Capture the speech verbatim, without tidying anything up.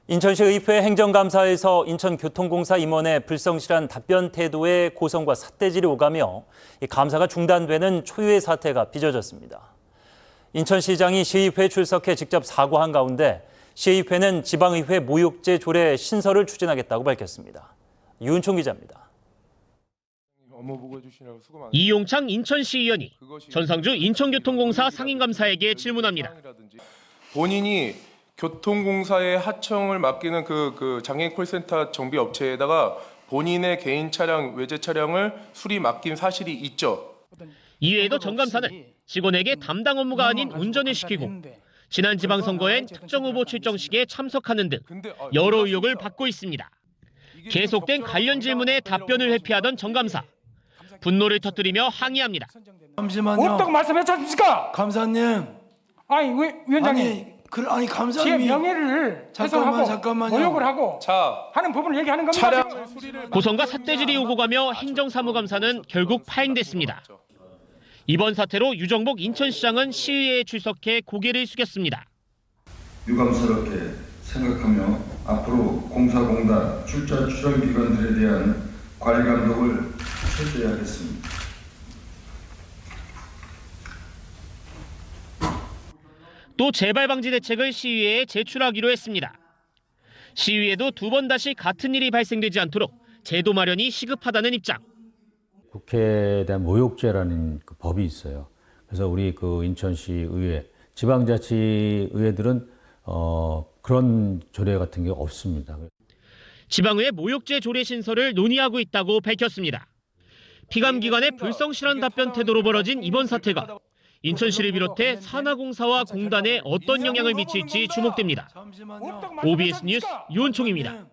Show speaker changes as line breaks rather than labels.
인천시 의회 행정감사에서 인천교통공사 임원의 불성실한 답변 태도에 고성과 삿대질이 오가며 감사가 중단되는 초유의 사태가 빚어졌습니다. 인천시장이 시의회 출석해 직접 사과한 가운데 시의회는 지방의회 모욕죄 조례 신설을 추진하겠다고 밝혔습니다. 유은총 기자입니다.
이용창 인천시의원이 전상주 인천교통공사 상임감사에게 질문합니다.
본인이 교통공사에 하청을 맡기는 그, 그 장애인 콜센터 정비 업체에다가 본인의 개인 차량, 외제 차량을 수리 맡긴 사실이 있죠.
이외에도 정 감사는 직원에게 담당 업무가 아닌 운전을 시키고 지난 지방선거엔 특정 후보 출정식에 참석하는 등 여러 의혹을 받고 있습니다. 계속된 관련 질문에 답변을 회피하던 정 감사. 분노를 터뜨리며 항의합니다.
잠시만요.
없다고 말씀했지 않습니까?
감사님.
아니 위, 위원장님.
아니, 그, 아니
제
감사님이
명예를
잠깐만,
훼손하고
잠깐만요.
모욕을 하고
자,
하는 부분을 얘기하는 겁니다.
차량
지금.
고성과 삿대질이 오고 가며 행정사무감사는 결국 파행됐습니다. 이번 사태로 유정복 인천시장은 시의회에 출석해 고개를 숙였습니다.
유감스럽게 생각하며 앞으로 공사공단 출자 추정 기관들에 대한 관리 감독을 철저히 하겠습니다.
또 재발 방지 대책을 시의회에 제출하기로 했습니다. 시의회도 두 번 다시 같은 일이 발생되지 않도록 제도 마련이 시급하다는 입장.
국회에 대한 모욕죄라는 그 법이 있어요. 그래서 우리 그 인천시 의회, 지방자치 의회들은 어, 그런 조례 같은 게 없습니다.
지방의회 모욕죄 조례 신설을 논의하고 있다고 밝혔습니다. 피감기관의 불성실한 답변 태도로 벌어진 이번 사태가 인천시를 비롯해 산하공사와 공단에 어떤 영향을 미칠지 주목됩니다. 오비에스 뉴스 유은총입니다.